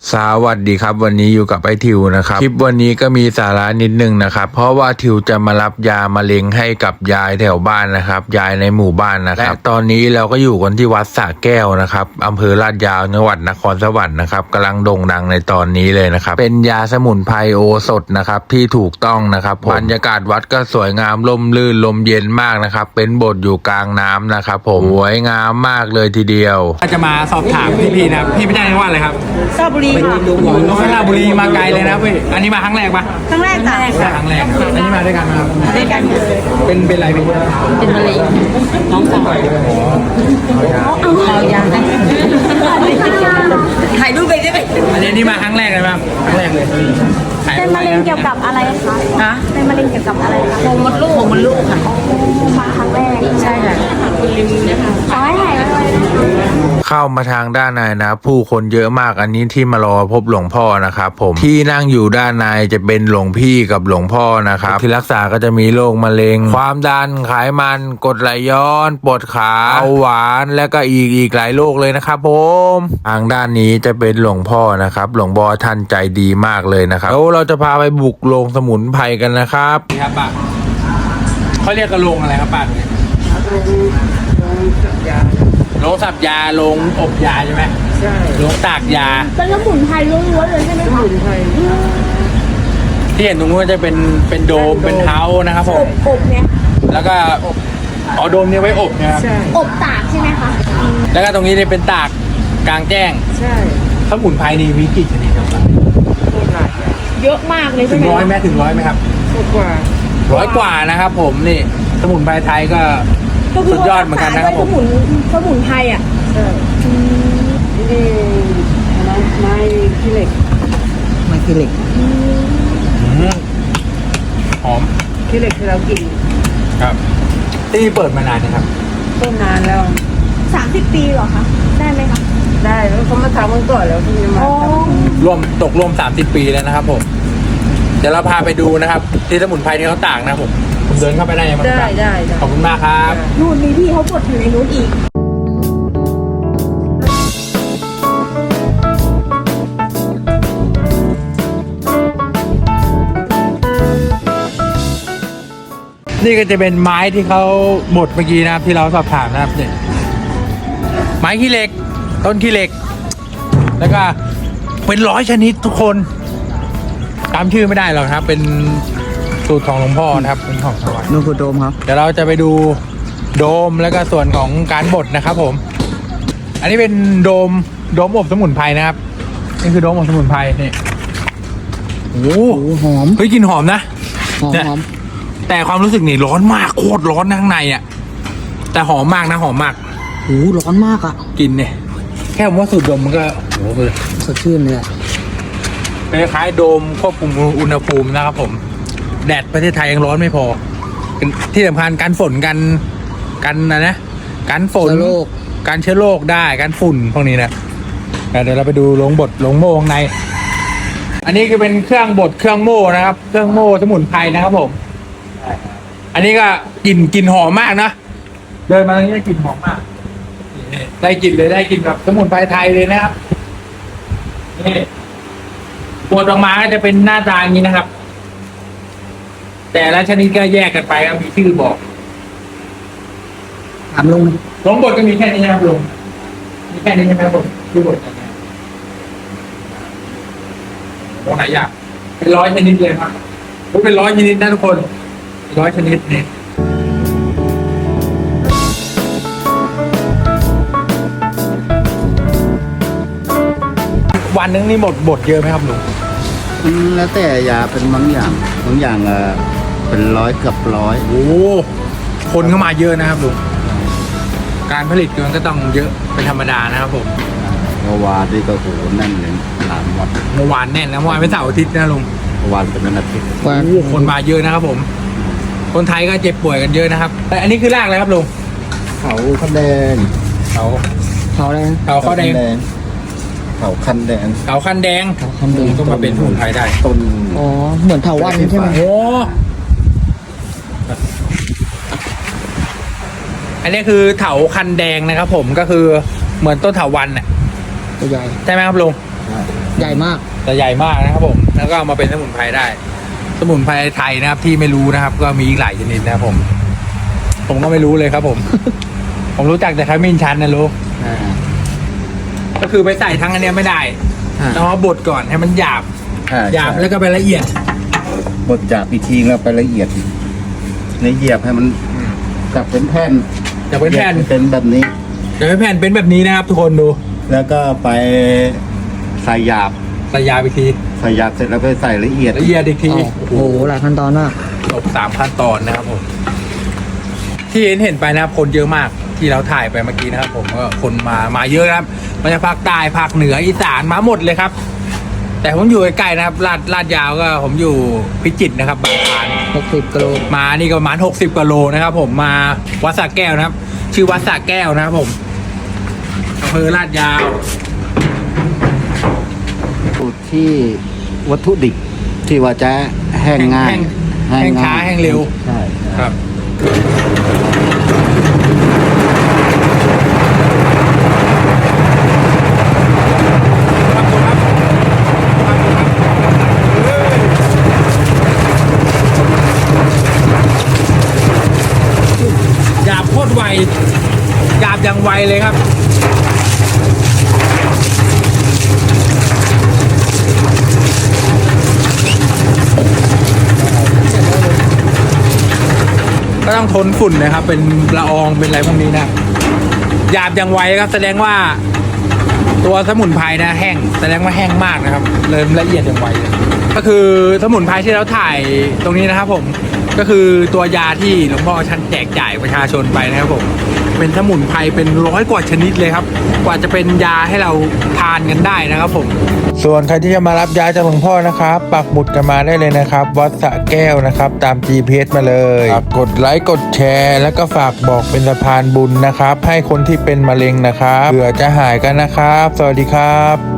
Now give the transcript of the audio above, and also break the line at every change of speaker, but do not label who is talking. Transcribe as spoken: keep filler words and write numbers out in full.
สวัสดีครับวันนี้อยู่กับไอทิวนะครับคลิปวันนี้ก็มีสาระนิดนึงนะครับเพราะว่าทิวจะมารับยามะเร็งให้กับยายแถวบ้านนะครับยายในหมู่บ้านนะครับและตอนนี้เราก็อยู่กันที่วัดสระแก้วนะครับอำเภอลาดยาวจังหวัดนครสวรรค์นะครับกำลังโด่งดังในตอนนี้เลยนะครับเป็นยาสมุนไพรโอสถนะครับที่ถูกต้องนะครับบรรยากาศวัดก็สวยงามร่มรื่นลมเย็นมากนะครับเป็นโบสถ์อยู่กลางน้ำนะครับผมสวยงามมากเลยทีเดียวจะมาสอบถามพี่พีนะครับพี่ไม่ได้จังหวัดอะไรครับ
สระบุรีค่ะ
น้องสระบุรีมาไกลเลยนะพี่อันนี้มาครั้งแรกปะ
ครั้งแรกจ้ะ
ครั้งแรกครับอันนี้มาด้วยกันครับ
ด้วยกัน
เป็นเป็นอะไรพี่
เป็นมะเร็งน้องสาวเอายาถ่ายรูปไปได้ไหม
อันนี้นี่มาครั้งแรกเลยครับครั้งแรกเลย
เป็นมะเร็งเกี่ยวกับอะไรคะ
ฮะ
เป็นมะเร็งเกี่ยวกับอะไรคะ
โพรงมดลูกโพรงมดลูกค่ะ
มาครั้งแรก
ใช่ค่ะคุณลิมนะคะ
ขอให้หายไวๆ
เข้ามาทางด้านในนะผู้คนเยอะมากอันนี้ที่มารอพบหลวงพ่อนะครับผมที่นั่งอยู่ด้านในจะเป็นหลวงพี่กับหลวงพ่อนะครับที่รักษาก็จะมีโรคมะเร็งความดันไขมันกรดไหลย้อนปวดขาเบาหวานและก็อีกอีกหลายโรคเลยนะครับผมทางด้านนี้จะเป็นหลวงพ่อนะครับหลวงพ่อท่านใจดีมากเลยนะครับแล้วเราจะพาไปบุกโรงสมุนไพรกันนะครับครับป้าเขาเรียกกระโรงอะไรครับป้าโรงสับยาโรงอบยาใช่ไหมใช่โรงตากยา
เป็นสมุนไพรล้วนๆเลยใช่ไหมคะสมุนไพร
ที่เห็นตรงนู้นจะเป็นเป็นโดมเป็นเท้านะครับผม
อบเนี่ย
แล้วก็อ๋อโดมเนี่ยไว้อบนะครับ
อบตากใช่ไหมคะ
แล้วก็ตรงนี้เนี่ยเป็นตากกลางแจ้ง
ใช่
สมุนไพรนี่มีกี่ชนิดครับ
เยอะมากเลยใช่ไหม
ถึงร้อยไหมถึงร้อยไหมครับ
กว่า
ร้อยกว่านะครับผมนี่สมุนไพรไทยก็สุดยอดเหมือนกันนะครับผม
สมุนสมุนไพรอ่ะ
ใช่นี่อะไรไม้ขี้เหล็กไม้ขี้เหล็ก
หอม
ขี้เหล็กที่เรากิน
ครับที่เปิดมานานนะครับ
ต้นนานแล้ว
สามสิบปีเหรอคะได้ไหมคะ
ได้แล้วเขามาทำมันก่อนแล้วที่จะมา
รวมตกรวมสามสิบปีแล้วนะครับผมเดี๋ยวเราพาไปดูนะครับที่สมุนไพรที่เขาตากนะผมผมเดินเข้าไปได้ไหม
ได้ได้
ขอบคุณมากครับ
นู่นมีพี่เขากดอยู่ในนู้นอีก
นี่ก็จะเป็นไม้ที่เขาบดเมื่อกี้นะครับที่เราสอบถามนะครับเนี่ยไม้ขี้เหล็กต้นขี้เหล็กแล้วก็เป็นร้อยชนิดทุกคนจำชื่อไม่ได้หรอกครับเป็นสูตรของหลวงพ่อนะครับเป็นของสวรรค์
นู่นคือโดมครับ
เดี๋ยวเราจะไปดูโดมแล้วก็ส่วนของการบดนะครับผมอันนี้เป็นโดมโดมอบสมุนไพรนะครับนี่คือโดมอบสมุนไพรนี่โอ้โห
หอม
เฮ้ยกลิ่นหอมนะ
หอมหอม
แต่ความรู้สึกนี่ร้อนมากโคตรร้อนข้างในอ่ะแต่หอมมากนะหอมมาก
โอ้ร้อนมากอ่ะ
กินเนี่ยแค่ผมว่าสูดดมมันก็โอ้โห
สดชื่นเลยอ่ะ
เป็นคล้ายโดมควบคุมอุณหภูมินะครับผมแดดประเทศไทยยังร้อนไม่พอที่สำคัญการฝนกันกันนะนะการฝนการเชื้อโรคได้การฝุ่นพวกนี้นะเดี๋ยวเราไปดูโรงบดโรงโม่ข้างในอันนี้คือเป็นเครื่องบดเครื่องโม่นะครับเครื่องโม่สมุนไพรนะครับผมอันนี้ก็กลิ่นกลิ่นหอมมากนะเดินมาตรงนี้กลิ่นหอมมากได้กลิ่นเลยได้กลิ่นแบบสมุนไพรไทยเลยนะครับนี่บดออกมาก็จะเป็นหน้าตาอย่างนี้นะครับแต่ละชนิดก็แยกกันไปก็มีชื่อบอก
ถามลุง
ลงบทก็มีแค่นี้นะครับลุงมีแค่นี้ใช่ไหมผมชื่อบทอะไรตรงไหนอยากเป็นร้อยชนิดเลยครับเป็นร้อยชนิดนะทุกคนร้อยชนิดเนี่ยวันนึงนี่หมดบทเยอะไหมครับลุง
แล้วแต่ยาเป็นบางอย่างบางอย่างเออเป็นร้อยเกือบร้อย
โอ้คนเข้ามาเยอะนะครับลุงการผลิตมันก็ต้องเยอะเป็นธรรมดานะครับผม
เมื่อวานนี่ก็โหแน่นเลยหลานวัด
เมื่อวานแน่นนะเมื่อวานเป็นเสาร์อาทิตย์นะลุง
เมื่อวานเป็นวันอาทิตย์
โอ้คนมาเยอะนะครับผมคนไทยก็เจ็บป่วยกันเยอะนะครับแต่อันนี้คือรากอะไรครับลุง
เขาคันแดง
เขา
เขาอะไร
เขาข้าวแดง
เขาคันแดง
เขาคันแดง
เขาคันแดง
ก็มาเป็นสมุนไพรได้
ต้น
อ๋อเหมือนเถาวัลย์ใช่ไหม
โอ้อันนี้คือเถาคันแดงนะครับผมก็คือเหมือนต้นเถาวัลย์น่ะ
ตัวใหญ่
ใช่ไหมครับลุง
ใหญ่มาก
จะใหญ่มากนะครับผมแล้วก็เอามาเป็นสมุนไพรได้ สมุนไพรไทยนะครับที่ไม่รู้นะครับ ก็มีอีกหลายชนิดนะครับผม ผมก็ไม่รู้เลยครับผม ผมรู้จักแต่ขมิ้นชันนะรู้
อ่า
ก็คือไปใส่ทั้งอันเนี้ยไม่ได้
อ่า
ต้องเอาบดก่อนให้มันหยาบ
อ่า
หยาบแล้วก็ไปละเอียด
บดจากอีกทีแล้วไปละเอียดอีกละเอียดให้มันกลับเป็นแผ่น
จะเป็นแผ่น
เป็นแบบนี้
จะเป็นแผ่นเป็นแบบนี้นะครับ ทุกคนดู
แล้วก็ไปใส่หยาบ
ใส่ยาไปที
ใส่หยาบเสร็จแล้วไปใส่ละเอียด
ละเอียดอีกที
โอ้โหหลายขั้นตอนมาก
จบสามขั้นตอนนะครับผม ที่เห็นเห็นไปนะครับคนเยอะมากที่เราถ่ายไปเมื่อกี้นะครับผมก็คนมามาเยอะนะครับมาจากภาคใต้ภาคเหนืออีสานมาหมดเลยครับ แต่ผมอยู่ใกล้ๆนะครับลาดลาดยาวก็ผมอยู่พิจิตรนะครับบางพาน
หกสิบกิโล
มานี่ก็ประมาณหกสิบกิโลนะครับ ผมมาวัดสระแก้วนะครับ ชื่อวัดสระแก้วนะครับผมอำเภอลาดยาว
สูตรที่วัตถุดิบที่ว่าจะแห้งง่าย
แห้งช้าแห้งเร็ว
ใช่
ครับ หยาบโคตรไวหยาบอย่างไวเลยครับ ก็ต้องทนฝุ่นนะครับ เป็นละอองเป็นอะไรพวกนี้นะหยาบอย่างไวครับแสดงว่าตัวสมุนไพรนะแห้งแสดงว่าแห้งมากนะครับเลยละเอียดอย่างไวเลยก็คือสมุนไพรที่เราถ่ายตรงนี้นะครับผมก็คือตัวยาที่หลวงพ่อท่านแจกจ่ายประชาชนไปนะครับผมเป็นสมุนไพรเป็นร้อยกว่าชนิดเลยครับกว่าจะเป็นยาให้เราทานกันได้นะครับผมส่วนใครที่จะมารับยาจากหลวงพ่อนะครับปักหมุดกันมาได้เลยนะครับวัดสระแก้วนะครับตาม จี พี เอส มาเลยกดไลค์กดแชร์แล้วก็ฝากบอกเป็นสะพานบุญนะครับให้คนที่เป็นมะเร็งนะครับเผื่อจะหายกันนะครับสวัสดีครับ